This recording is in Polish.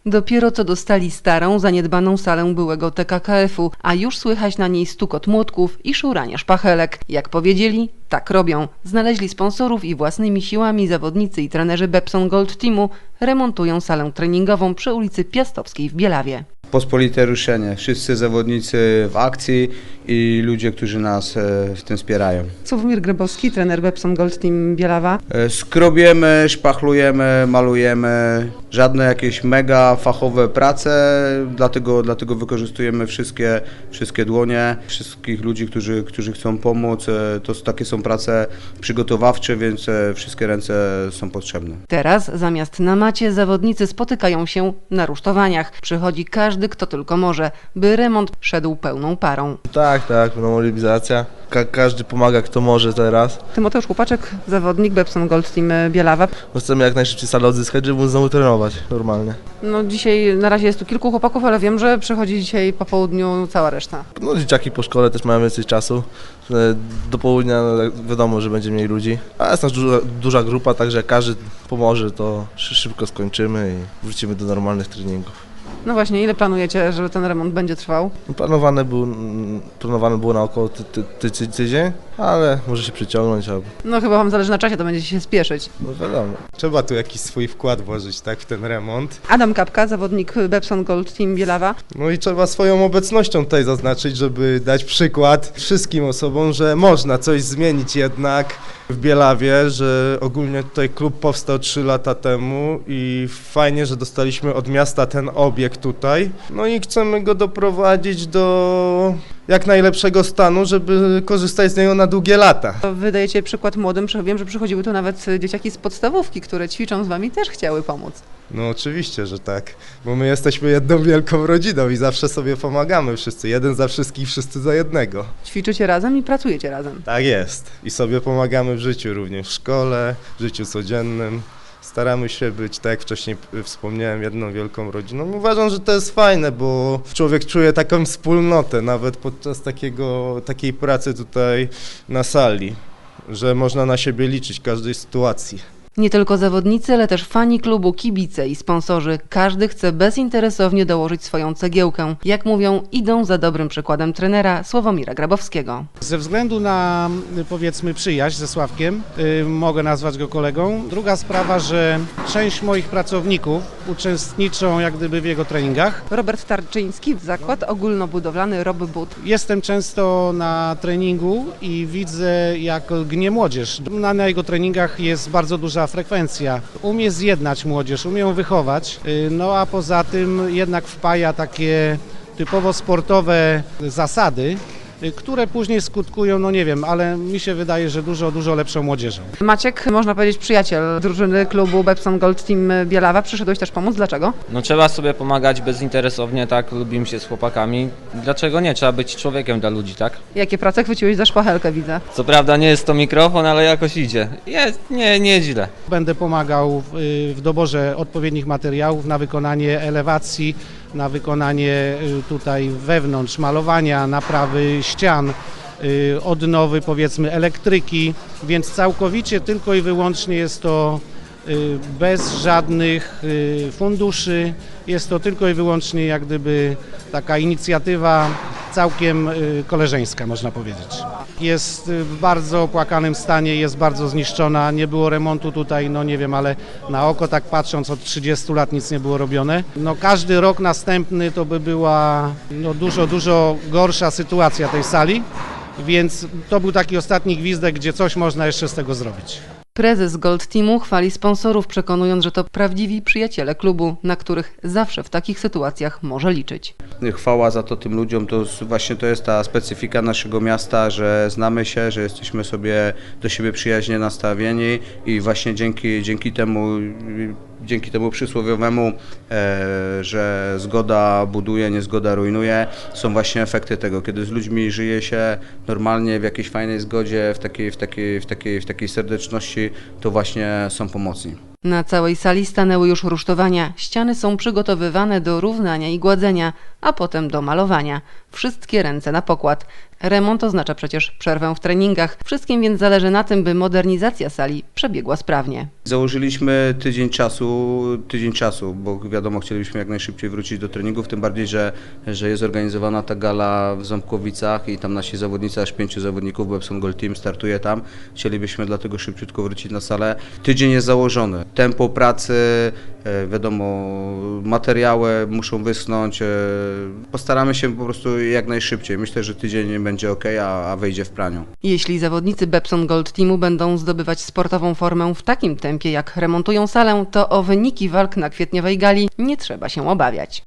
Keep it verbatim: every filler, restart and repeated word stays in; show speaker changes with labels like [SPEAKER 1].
[SPEAKER 1] Dopiero co dostali starą, zaniedbaną salę byłego T K K F-u, a już słychać na niej stukot młotków i szuranie szpachelek. Jak powiedzieli, tak robią. Znaleźli sponsorów i własnymi siłami zawodnicy i trenerzy Bepson Gold Teamu remontują salę treningową przy ulicy Piastowskiej w Bielawie.
[SPEAKER 2] Pospolite ruszenie. Wszyscy zawodnicy w akcji i ludzie, którzy nas w tym wspierają.
[SPEAKER 1] Sławomir Grabowski, trener Bepson Gold Team Bielawa.
[SPEAKER 2] Skrobiemy, szpachlujemy, malujemy. Żadne jakieś mega fachowe prace, dlatego, dlatego wykorzystujemy wszystkie, wszystkie dłonie, wszystkich ludzi, którzy, którzy chcą pomóc. To takie są prace przygotowawcze, więc wszystkie ręce są potrzebne.
[SPEAKER 1] Teraz zamiast na macie zawodnicy spotykają się na rusztowaniach. Przychodzi każdy, kto tylko może, by remont szedł pełną parą.
[SPEAKER 3] Tak, tak, no mobilizacja. Ka każdy pomaga, kto może teraz.
[SPEAKER 1] Tymoteusz Chłopaczek, zawodnik Bepson Gold Team Bielawa.
[SPEAKER 3] No chcemy jak najszybciej salę odzyskać, żeby móc znowu trenować normalnie.
[SPEAKER 1] No dzisiaj na razie jest tu kilku chłopaków, ale wiem, że przychodzi dzisiaj po południu cała reszta.
[SPEAKER 3] No dzieciaki po szkole też mają więcej czasu. Do południa no, wiadomo, że będzie mniej ludzi. A jest nas duża, duża grupa, także jak każdy pomoże, to szybko skończymy i wrócimy do normalnych treningów.
[SPEAKER 1] No właśnie, ile planujecie, żeby ten remont będzie trwał?
[SPEAKER 3] Planowane, był, planowane było na około ty, ty, ty, ty, tydzień, ale może się przyciągnąć. Albo...
[SPEAKER 1] No chyba wam zależy na czasie, to będziecie się spieszyć.
[SPEAKER 3] No wiadomo.
[SPEAKER 4] Trzeba tu jakiś swój wkład włożyć, tak, w ten remont.
[SPEAKER 1] Adam Kapka, zawodnik Bepson Gold Team Bielawa.
[SPEAKER 4] No i trzeba swoją obecnością tutaj zaznaczyć, żeby dać przykład wszystkim osobom, że można coś zmienić jednak w Bielawie, że ogólnie tutaj klub powstał trzy lata temu i fajnie, że dostaliśmy od miasta ten obiekt tutaj. No i chcemy go doprowadzić do jak najlepszego stanu, żeby korzystać z niego na długie lata.
[SPEAKER 1] Wy dajecie przykład młodym, wiem, że przychodziły tu nawet dzieciaki z podstawówki, które ćwiczą z wami, też chciały pomóc.
[SPEAKER 4] No oczywiście, że tak, bo my jesteśmy jedną wielką rodziną i zawsze sobie pomagamy wszyscy, jeden za wszystkich, wszyscy za jednego.
[SPEAKER 1] Ćwiczycie razem i pracujecie razem.
[SPEAKER 4] Tak jest i sobie pomagamy w życiu również, w szkole, w życiu codziennym. Staramy się być, tak jak wcześniej wspomniałem, jedną wielką rodziną. Uważam, że to jest fajne, bo człowiek czuje taką wspólnotę, nawet podczas takiego, takiej pracy tutaj na sali, że można na siebie liczyć w każdej sytuacji.
[SPEAKER 1] Nie tylko zawodnicy, ale też fani klubu, kibice i sponsorzy. Każdy chce bezinteresownie dołożyć swoją cegiełkę. Jak mówią, idą za dobrym przykładem trenera Sławomira Grabowskiego.
[SPEAKER 5] Ze względu na, powiedzmy, przyjaźń ze Sławkiem, yy, mogę nazwać go kolegą. Druga sprawa, że część moich pracowników uczestniczą jak gdyby w jego treningach.
[SPEAKER 1] Robert Tarczyński, zakład ogólnobudowlany Rob But.
[SPEAKER 5] Jestem często na treningu i widzę, jak lgnie młodzież. Na, na jego treningach jest bardzo duża frekwencja. Umie zjednać młodzież, umie ją wychować, no a poza tym jednak wpaja takie typowo sportowe zasady, które później skutkują, no nie wiem, ale mi się wydaje, że dużo, dużo lepszą młodzieżą.
[SPEAKER 1] Maciek, można powiedzieć przyjaciel drużyny klubu Bepson Gold Team Bielawa. Przyszedłeś też pomóc. Dlaczego?
[SPEAKER 6] No trzeba sobie pomagać bezinteresownie, tak, lubimy się z chłopakami. Dlaczego nie? Trzeba być człowiekiem dla ludzi, tak?
[SPEAKER 1] Jakie prace chwyciłeś za szpachelkę, widzę.
[SPEAKER 6] Co prawda nie jest to mikrofon, ale jakoś idzie. Jest, nie, nie źle.
[SPEAKER 5] Będę pomagał w, w doborze odpowiednich materiałów na wykonanie elewacji, na wykonanie tutaj wewnątrz malowania, naprawy ścian, odnowy powiedzmy elektryki, więc całkowicie tylko i wyłącznie jest to bez żadnych funduszy, jest to tylko i wyłącznie jak gdyby taka inicjatywa całkiem koleżeńska, można powiedzieć. Jest w bardzo opłakanym stanie, jest bardzo zniszczona, nie było remontu tutaj, no nie wiem, ale na oko tak patrząc od trzydziestu lat nic nie było robione. No każdy rok następny to by była no, dużo, dużo gorsza sytuacja tej sali, więc to był taki ostatni gwizdek, gdzie coś można jeszcze z tego zrobić.
[SPEAKER 1] Prezes Gold Teamu chwali sponsorów, przekonując, że to prawdziwi przyjaciele klubu, na których zawsze w takich sytuacjach może liczyć.
[SPEAKER 2] Chwała za to tym ludziom, to właśnie to jest ta specyfika naszego miasta, że znamy się, że jesteśmy sobie do siebie przyjaźnie nastawieni i właśnie dzięki, dzięki temu dzięki temu przysłowiowemu, e, że zgoda buduje, niezgoda rujnuje, są właśnie efekty tego, kiedy z ludźmi żyje się normalnie w jakiejś fajnej zgodzie, w takiej, w takiej, w takiej, w takiej serdeczności, to właśnie są pomocni.
[SPEAKER 1] Na całej sali stanęły już rusztowania. Ściany są przygotowywane do równania i gładzenia, a potem do malowania. Wszystkie ręce na pokład. Remont oznacza przecież przerwę w treningach. Wszystkim więc zależy na tym, by modernizacja sali przebiegła sprawnie.
[SPEAKER 2] Założyliśmy tydzień czasu, tydzień czasu, bo wiadomo, chcielibyśmy jak najszybciej wrócić do treningów, tym bardziej, że, że jest organizowana ta gala w Ząbkowicach i tam nasi zawodnicy, aż pięciu zawodników, Bepson Gold Team startuje tam. Chcielibyśmy dlatego szybciutko wrócić na salę. Tydzień jest założony. Tempo pracy, wiadomo, materiały muszą wyschnąć. Postaramy się po prostu jak najszybciej. Myślę, że tydzień będzie ok, a, a wyjdzie w praniu.
[SPEAKER 1] Jeśli zawodnicy Bepson Gold Teamu będą zdobywać sportową formę w takim tempie, jak remontują salę, to o wyniki walk na kwietniowej gali nie trzeba się obawiać.